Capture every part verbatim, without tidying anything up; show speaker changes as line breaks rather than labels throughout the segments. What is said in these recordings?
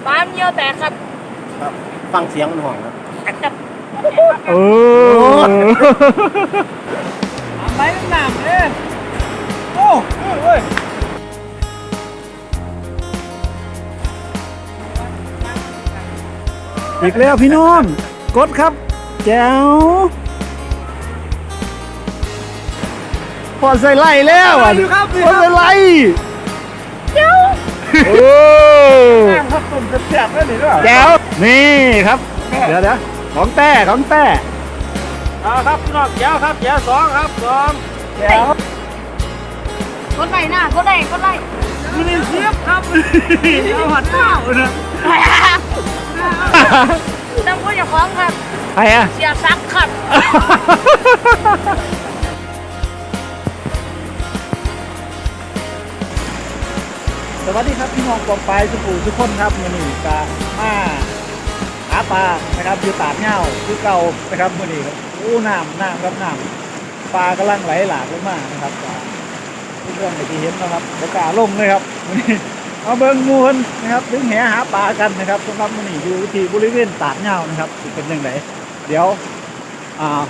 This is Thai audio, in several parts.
ปลาเมียวแตกครับ
ครับฟังเสียงมันห่องครับ
เออ
ไปหนามเอ้โอ้เว้ย
อีกแล้วพี่น้องกดครับแจ๋วพอใส่ไล่แล้วอ่ะพอใส่ไล่แจ๋วโอ้
ครับตุ่มแซ่บๆได้หรือเปล่า
แจ๋วนี่ครับเดี๋ยวเดี๋ยวของแต้ของแต้
เอาครับพี่น้องแจ๋วครับแจ๋วสองครับสองแจ๋ว
กดไหนหน้ากดไหนกดไหน
มินิเซียบครับเอาหัดเท้านะ
น้ำพูดอย่าฟ้องครับ
ใครอะ
เสียซักครับ
สวัสดีครับพี่น้องกองปลายสุภูทุกคนครับมือนี้กามาหาปลานะครับอยู่ตาดเงาคือเก่านะครับมือนี้ครับโอ้น้ำน้ำครับน้ำปลากำลังไหลหลากลงมานะครับทุกเรื่องที่เห็นนะครับบรรยากาศลงเลยครับมือนี้เอาเบิ้งมูลนะครับถึงแหหาปลากันนะครับสำหรับมือนี้อยู่ที่บริเวณตาดเงานะครับเป็นยังไงเดี๋ยวอ่า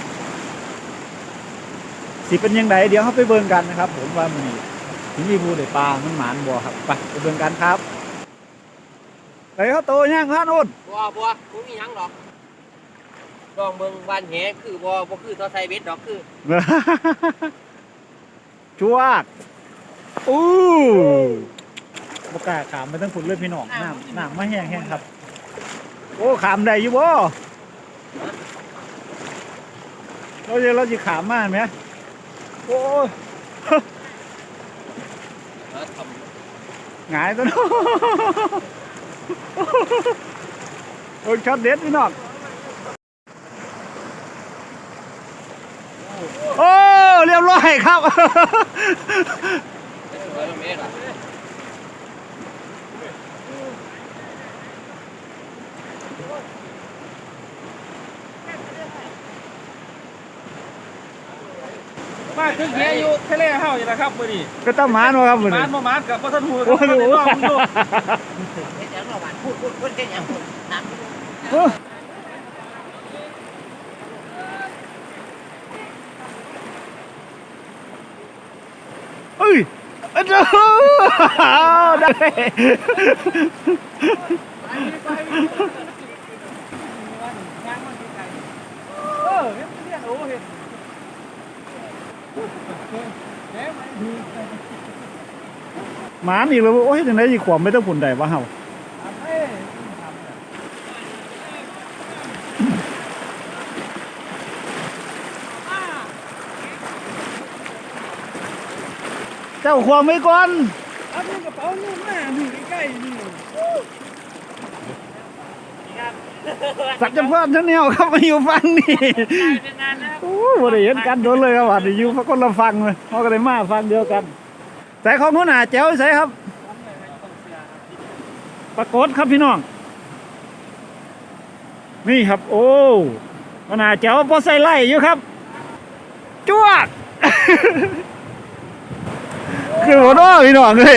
สิเป็นยังไงเดี๋ยวเขาไปเบิ้งกันนะครับผมว่ามือนี้ถึงมีบูได้ปลามันหมานบัวครับไปไปเบิ่งกันครับไปเขาโตย่างพานุ่น
บัวบัวคุณมียังดอกลองเบิ่งวันแหคือบัวบัวคือทอไทยเบ็ดดอกคือ
ชัวร์อู้บกล้าขามไปทั้งฝุ่นเลยพี่น้องน้ำน้ำไม่แห้งแห้งครับโอ้ขามได้อยู่บ่เราจะเราจะขามมากไหมโอ้หงายตัวน้องโอ้ช็อตเด็ดพี่น้องโอ้เรียบร้อยครับ
มาถึงแหอยู่ทะเลเฮาอยู่แล้วครับมื้อนี้
ก็ต้องมานวะครับมื้อนี้
มานบ่มานกับบ่ทันฮู้
ครับบ่รู้
เฮ็ดหยังระหว่างพูดพูดพูดเฮ็ดหยังพูดถาม
เอ้ยเอ้ยได้
เออเฮ็ดเรียนโอ้เฮ็ด
หมาอีกแล้วโอ้ยจังได๋สิขวมไม่ต้องผุนได้วะเฮาเจ้าขวมไว้ก่อน
เอากระเป๋านู่นมานี่ใกล้ๆนี่
สักจำพาดทั้งแนวครับมาอยู่ฟังนี่โอ้บ่ได้เห็นกันโดนเลยครับว่าอยู่คนละฟังเลยเฮาก็ได้มาฟังเดียวกันใส่ของหัวหน้าแจ๋วใส่ครับปรากฏครับพี่น้องนี่ครับโอ้หัวหน้าแจ๋วพอใส่ไล่อยู่ครับจ้วกคือหัวหน้าพี่น้องเลย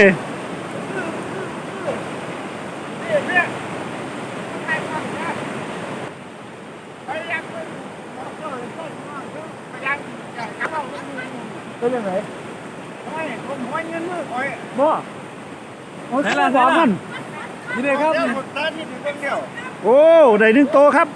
เป็นยังไง
ไม่ผมห้อยเงินมือคอย
บ่โอ้ยสองมัน
นี่เลยครับตาที่ถึงเป็นเดียว
โอ้ได้หนึ่งโตครับ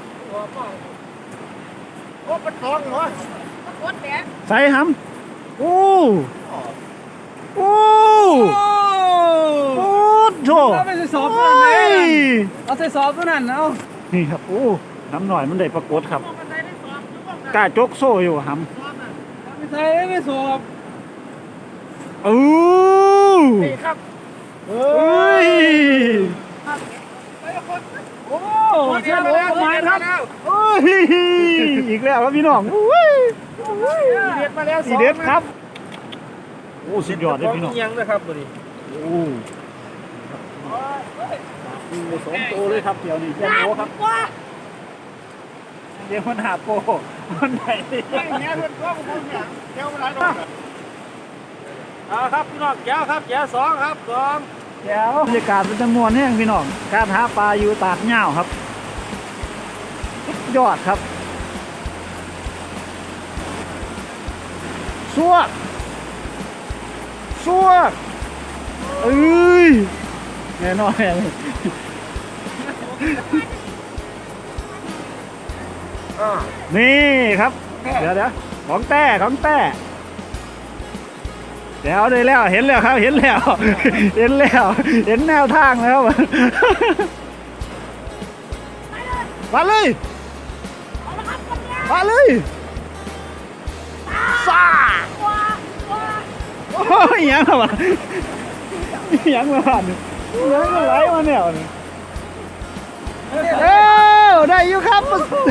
โอ้เป็นทองเหรอ
กดแหน
ใส่หำโอ้โอ้โอ้โถ
เอาไปใส่สอบตัวนั้นเอาใส่สอบตัวนั้นเอา
นี่ครับโอ้น้ำหน่อยมันได้ปรากฏครับกล้าจกโซ่อยู่หำ
ไม่ใช่ไม่สอบ
โอ้
นี่ครับ
เฮ้ย
โอ้เชื่อแล้วมาครับ
โอ้ยอีกแล้วครับพี่น้องโอ้ย
เด็ดมาแล้ว
สีเด็ดครับโอ้สุดยอดเลยพี่น้อง
ยังนะครับตัวนี้
โอ้สองโตเลยครับเดี๋ยวนี้เจ้าโตครับเดี๋ยวมันหาโปมันไหน
ไม่เงี้ยเพื่อนก็มันเนี่ยเดี๋ยวมันไหลลงเอาครับพี่น้องแก้วครับแก้วสองครับสอง
เดี๋ยวบรรยากาศเป็นจำนวนแห้งพี่น้องการหาปลาอยู่ตาดเหง้าครับสุดยอดครับซัวซัวเอ้ยแน่นอนนี่ครับเดี๋ยวเดี๋ยวของแต้ของแต้เดี๋ยวได้แล้วเห็นแล้วครับเห็นแล้วเห็นแล้วเห็นแนวทางแล้วมาเลยมาเลยซ่าโอ้ยยังวะยังมาผ่านยังมาไหลมาแนวนี่เอ้าได้อยู่ครับ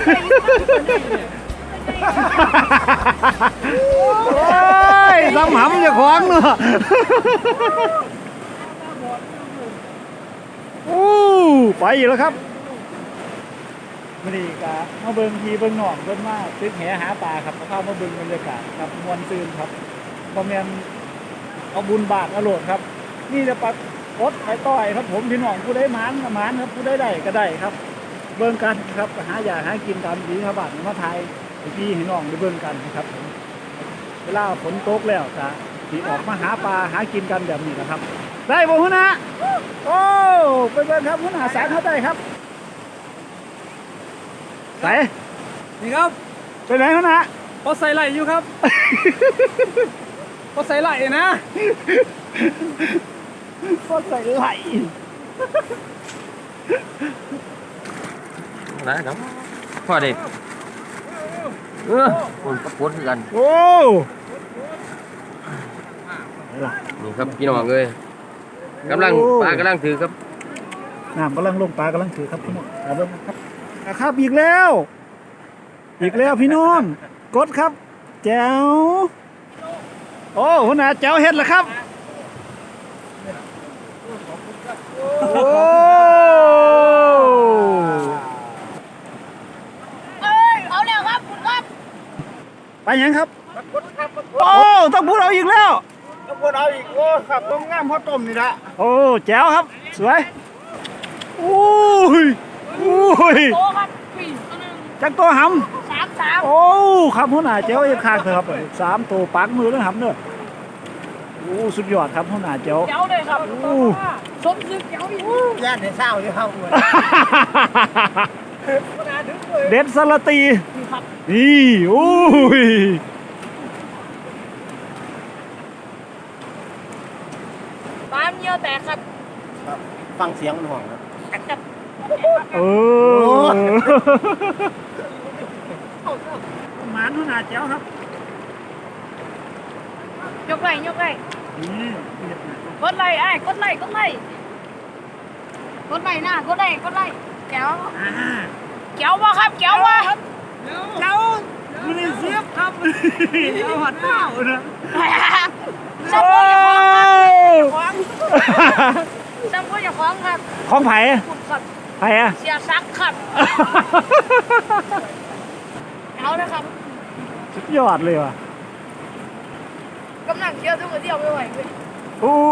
โอ้ยทำหำจะคว้างเนาะโอ้ไปอีกแล้วครับไม่ดีกะมาเบิ่งทีเบิ่งหนองเบิ่งมาตึกแหหาปลาครับเข้ามาเบิ่งบรรยากาศครับมวลซืนครับประเมียนเอาบุญบาทอรรถครับนี่จะปัดรถไอ้ต้อยครับผมพี่น้องผู้ได้หมานหมานครับผู้ได้ได้ก็ได้ครับเบิ่งกันครับหาอยากหากินตามดีครับบาทมาไทยพี่พี่น้องได้เบิ่งกันนะครับเวลาฝนตกแล้วจะที่ออกมาหาปลาหากินกันแบบนี้นะครับได้บ่หัวหน้าโอ้ไปเบิ่งครับหัวหน้าสารเขาได้ครับไปนี่ครับไปไหนหัวหน้าเขาใส่ไหลอยู่ครับเขาใส่ไหลนะเขาใส่ไหล
นะครับพ่อเด็กเออคนกระปุกกัน
โอ้
นี่ครับพี่น้องเลยกำลังปลากำลังถือครับ
น้ำกำลังลงปลากำลังถือครับพี่น้องเอาเบิ่งครับครับอีกแล้วอีกแล้วพี่น้องกดครับแจ๋วโอ้หัวหน้าแจ๋วเฮ็ดแล้วครับโอ้
เอ้ยเอาแล้วครับคุณครับ
ไปยังครับโอ้ต้องพูดเอาอีกแล้ว
ต้องพูดเอาอีกโอ้ครับต้มง่ามพ่อต้มนี่ละ
โอ้แจ๋วครับสวยโอ้ยโอ้ย
โตครับปีตัวหนึ่ง
จักตัวห
ำสามสาม
ำโอ้ครับหัวหน้าแจ๋วอีกข้างเถอะครับสามตัวปักมือแล้วหำเนอะโอ้สุดยอดครับหัวหน้าแจ๋ว
เจ้าเลยครับสมซึกเจ้าอีก
ย่านในเศร้าเลยครับ
เด็ดสลัดตีนี่โอ้ย
ปามเยอะแต่ครับ
ฟังเสียงมันห่วงครับ
เออหมานหัวหน้าแจ๋วครับ
ยกไหลยกไหลกดไหลไอ้กดไหลกดไหลกดไหลหน้ากดไหลกดไหลแก้วแก้ววะครับแก้ววะ
แจ๋วมันได้เสียบครับเอาหัดเท้านะ
ซ้ำก็อย่าคล้องครับซ้ำก็อย่าคล้องครับ
ของไผ่ไผ่อะ
เสียซักครับเอาละครับ
สุดยอดเลยว่ะ
กำลังเยอะทุกคนเดียวไม่ไหวเลย
โอ้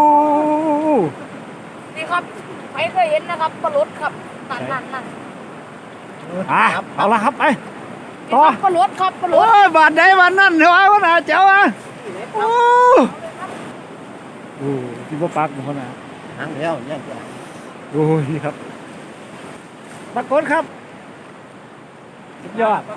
นี่ครับไม่เคยเห็นนะครับปลาลดครับนั่นนั่นนั่น
อ่ะเอาละครับไปต่อ
ปลาลดครับปลาลด
โอ้ยบาดใดบาดนั่นเดี๋ยวไอ้คนน่ะเจ้าอ่ะโอ้โหที่ว่าปักคนน่ะ
หางแล้วเนี่ย
โอ้ยครับปรากฏครับสุดยอด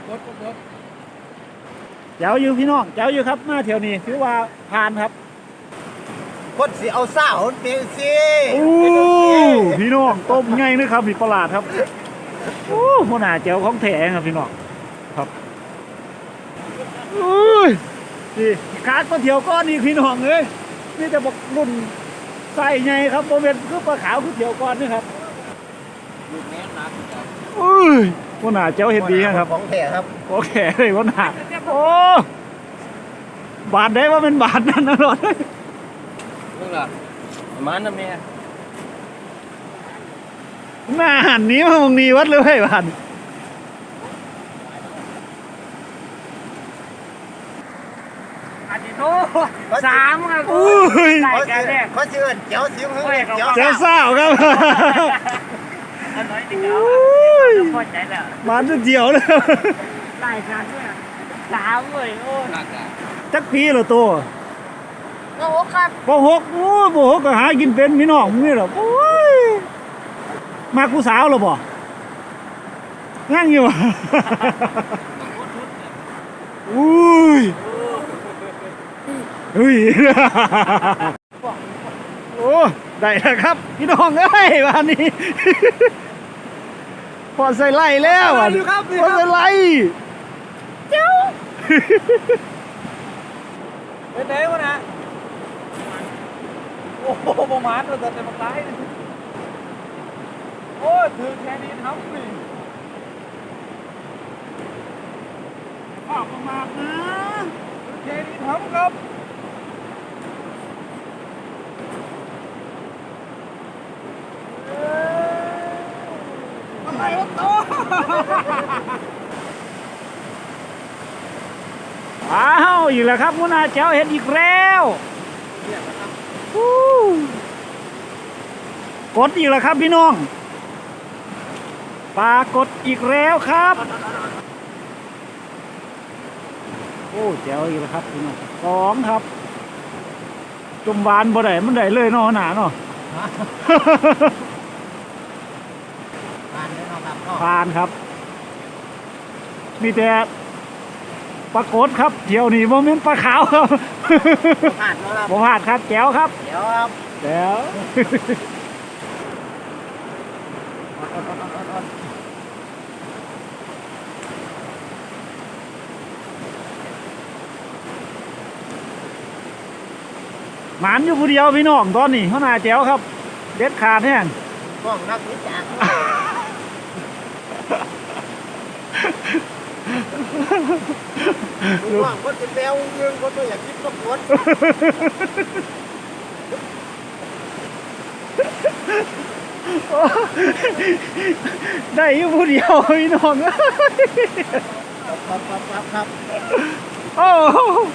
เจ้าอยู่พี่น้องเจ้าอยู่ครับมาเที่ยวนี้ถือว่าผ่านครับ
คนสิเอาซ่าคนเปลี่ยนสิ
โอ้พี่น้องต้มไงนะครับมีประหลาดครับโอ้หัวหน้าเจ้าของแท้ครับพี่น้องครับโอ้ยนี่ขาดปลาเที่ยวก้อนนี่พี่น้องเลยนี่จะบอกรุ่นใส่ไงครับโมเมนต์คือปลาขาวคือเที่ยวก้อนนี่ครับโอ้ยหัวหน้าเจ้าเห็นดีครับ
ของแท้ครับ
โอเคเลยหัวหน้าโอ้บาทได้ว่าเป็นบาทนั่นนะรถ
นี่แหละมันนะแม่
หน้าหันนี้มาตรงนี้วัดเลยบาท
อาจิโตสามครับ
อุ้ย
รายการแรก
เขาเชิญเจ้าสิงห์เจ้า
เจ้าสาวครับ
อันน้อยติดเอาพอใจแล้ว
มาจะเดียวเลย
รายการเนี่ยสามเลยโอ้ย
จักปีเหรอตัว
โอ้โหครับ
ปหกโอ้ยปหกก็หากินเป็นมีน้องมึงนี่เหรอโอ้ยมากูสาวเหรอบ่งั้งอยู่ อุ้ยอุ้ย โอ้ได้แล้วครับพี่น้องเอ้ยวันนี้ พอใส่ไล่แล้วอ่ะพอใส่ไล่เจ้า
เป็นไงวะนะโอ้โหประมาณเราจะเต็มร้ายโอ้ถือแค่นี้ทำนี่ออกประมาณนะถือแค่นี้ทำครับอะไรวะโต
อ้าวอีกแล้วครับมุนาเจ้าเห็นอีกแล้วฮู้กดอีกแล้วครับพี่น้องปลากดอีกแล้วครับโอ้เจ้าอีกแล้วครับพี่น้องสองครับจมบานบ่ได้มันได้เลยเนาะหนาเนาะ
ผ่านเลยเนาะครับ
ผ่านครับ มีแต่ปลากดครับเที่ยวนี้โมเมนต์ปลาขาวครับ
ผ่านแล้วครับ
บ่พลาดครับแก้วครับ
เดี๋ยวครับ
แล้ว หมานอยู่ผู้เดียวพี่น้องตอนนี้เขาหน้าแจ๋วครับ เด็ดขาดแห้ง
กล้องนักวิจารณ์ดูว่าคนเป็นแมวเรื่องคนตัวอยากคิดก็ปวด
ได้อยู่ผู้เดียวพี่น้อง
ครับครับครับครับ
โอ้โห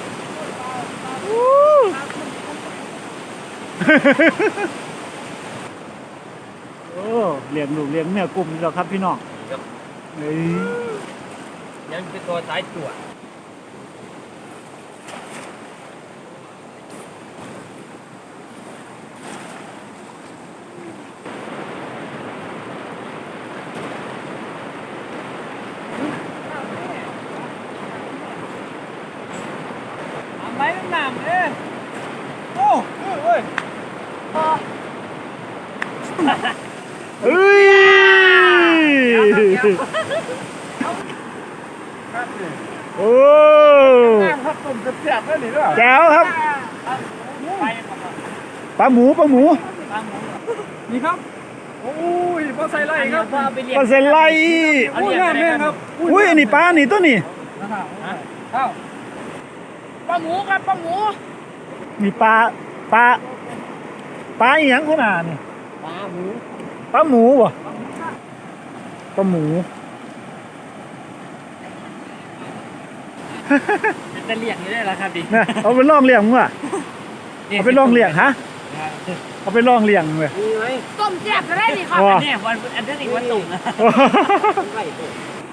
โอ้เลี้ยงลูกเลี้ยงแม่กลุ่มนี่แหละครับพี่น้องเฮ้ย
ยังเป็นตัวสายตรวจ
ทำไรหนามเอ้โอ้เฮ้ย
เฮ้ยโอ้
ครับตุ่มจะเสียบได้หรือเปล่า
แจ๋วครับ
ไป
ปลาหมูปลาหมู
นี่ครับโอ้ยพอใส่ไรครับ
ปลาเซนไล
อุ้ยแม่แม่ครับ
อุ้ยอันนี้ปลานี่ตัวนี้
ข้าว
ปลาหมูครับปลาหมู
มีปลาปลาปลาอีหยังขนาดนี่
ปลาหมู
ปลาหมูบ่ปลาหมู
จะเลี้ยงอยู่ได้แล้วครับดิ
นะเอาไปลองเลี้ยงมึงว่ะเอาไปลองเลี้ยงฮะเอาไปลองเลี้ยงเลย
มีไหม
ต้มแซ่บก็ได้นี่ครับ
ว้า
เนี่ยวันอันนี้วันตุ่มนะ
ไก่ตัว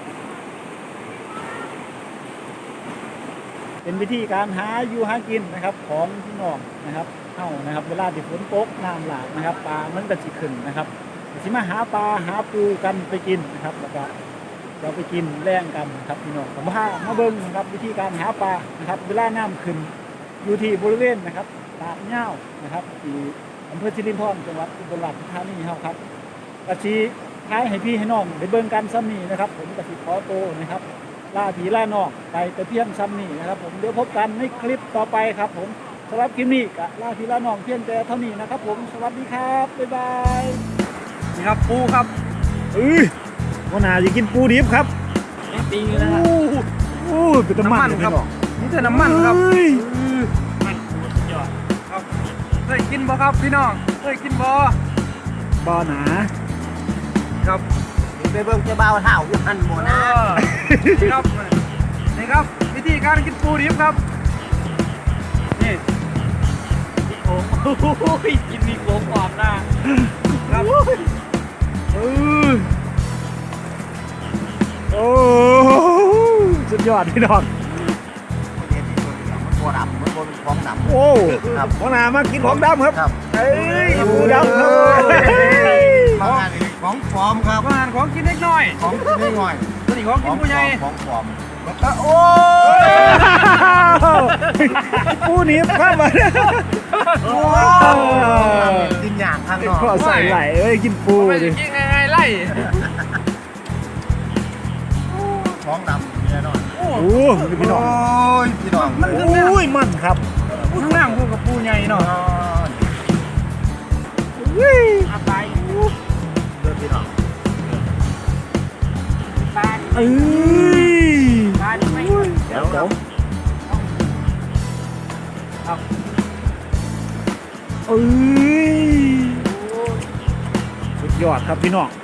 เป็นวิธีการหาอยู่หากินนะครับของพี่น้องนะครับเฮ้านะครับ เวลาที่ฝนตกน้ำหลากนะครับปลามันก็สิขึ้นนะครับสิมาหาปลาหาปูกันไปกินนะครับแล้วก็เราไปกินแล่งกันครับพี่น้องผมพามาเบิ้งนะครับวิธีการหาปลานะครับ เวลาน้ำขึ้นอยู่ที่บริเวณนะครับตาดเหย้านะครับที่อำเภอสิรินธรจังหวัดอุบลราชธานีเฮาครับกะสิท้ายให้พี่ให้น้องได้เบิ้งกันซ้ำนี้นะครับ ผมกะสิขอโตวนะครับล่าผีล่านอกไปแต่เพียงซ้ำนี้นะครับ ผมเดี๋ยวพบกันในคลิปต่อไปครับ ผมสำหรับคลิปนี้กะล่าผีล่านอกเพียงแต่เท่านี้นะครับ ผมสวัสดีครับบ๊ายบาย
นี่ครับปูครับ
เอ้ยวันหนาจะกินปูดิบครับ
ปีนึงนะฮะ
โอ้ยเป็นน้ำมันเลยพี่น้อง
นี่แต่น้ำมันครับ
เอ้ย
มันยอดครับเคยกินบ่ครับพี่น้องเคยกินบ่
บ่อหนา
ครับ
ไปเบิ่งเจ้าบ่าวเท่าอยู่หันหมดนะ
นี่ครับนี่ครับวิธีการกินปูดิบครับนี่โอ้โหกินมีโกงความหน้าครับ
เออโอ้สุดยอดพี่น้อง
เรียนที่ตัวนี้มันตัวดำมันตัวเป็นของดำ
โอ้
ครับ
หัวหน้ามากินของดำครับ
ครับ
เอ้ยหมูดำครับ
บางงานนี่ของปลอมครับ
อาหารของกินเล็กน้อย
ของกินไม่ง่อย
ตัวนี้ของกินผู้ใหญ่
ของปลอมแล้วก็โอ้ย
ปูหนีบข้ามมา
โอ้ยกินอย่างข้างนอก
ก็ใส่ไหลเอ้ยกินปู
ไม่
ดิ
กินง่ายๆไล่
ของดำเนี่ยนอน
โอ้พี่น้อง
โอ้ยพี่น้อง
โอ้ยมันครับ
ข้างล่างพวกกับปูใหญ่เนาะ
อุ้ย
อาตาย
เลือดพี่น้อง
ตาย
เอ้ย
ตายไม่
เดี๋ยวครับ
เอ้ยสุดยอดครับพี่น้อง